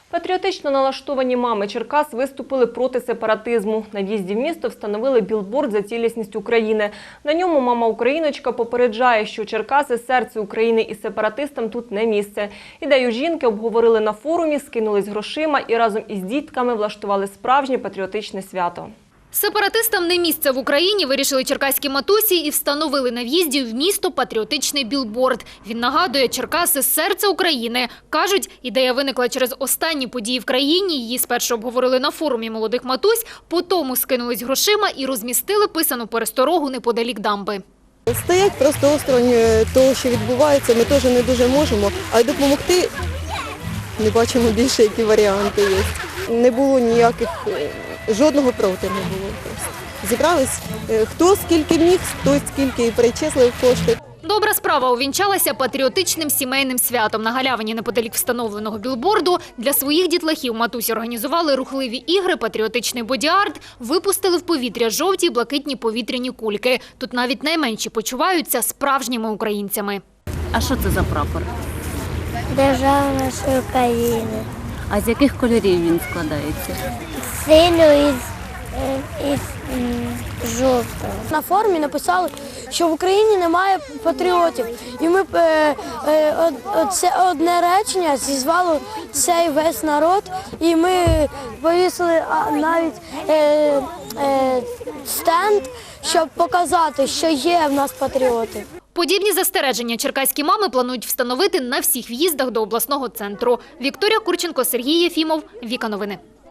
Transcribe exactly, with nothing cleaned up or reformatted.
Патріотично налаштовані мами Черкас виступили проти сепаратизму. На в'їзді в місто встановили білборд «За цілісність України». На ньому мама-україночка попереджає, що Черкаси – серце України і сепаратистам тут не місце. Ідею жінки обговорили на форумі, скинулись грошима і разом із дітками влаштували справжнє патріотичне свято. Сепаратистам не місце в Україні, вирішили черкаські матусі і встановили на в'їзді в місто патріотичний білборд. Він нагадує: Черкаси – серце України. Кажуть, ідея виникла через останні події в країні. Її спершу обговорили на форумі молодих матусь, потім скинулись грошима і розмістили писану пересторогу неподалік дамби. Стоять просто осторонь того, що відбувається, ми теж не дуже можемо, а допомогти не бачимо більше, які варіанти є. Не було ніяких, жодного проти не було. Просто зібрались, хто скільки міг, хто скільки і перечислив кошти. Добра справа увінчалася патріотичним сімейним святом. На галявині неподалік встановленого білборду для своїх дітлахів матусі організували рухливі ігри, патріотичний боді-арт, випустили в повітря жовті і блакитні повітряні кульки. Тут навіть найменші почуваються справжніми українцями. А що це за прапор? Держава нашої України. А з яких кольорів він складається? Синю із, із жовтого. На форумі написали, що в Україні немає патріотів. І ми е, е, це одне речення зізвало цей весь народ. І ми повісили навіть е, е, стенд, щоб показати, що є в нас патріоти. Подібні застереження черкаські мами планують встановити на всіх в'їздах до обласного центру. Вікторія Курченко, Сергій Єфімов, Віка Новини.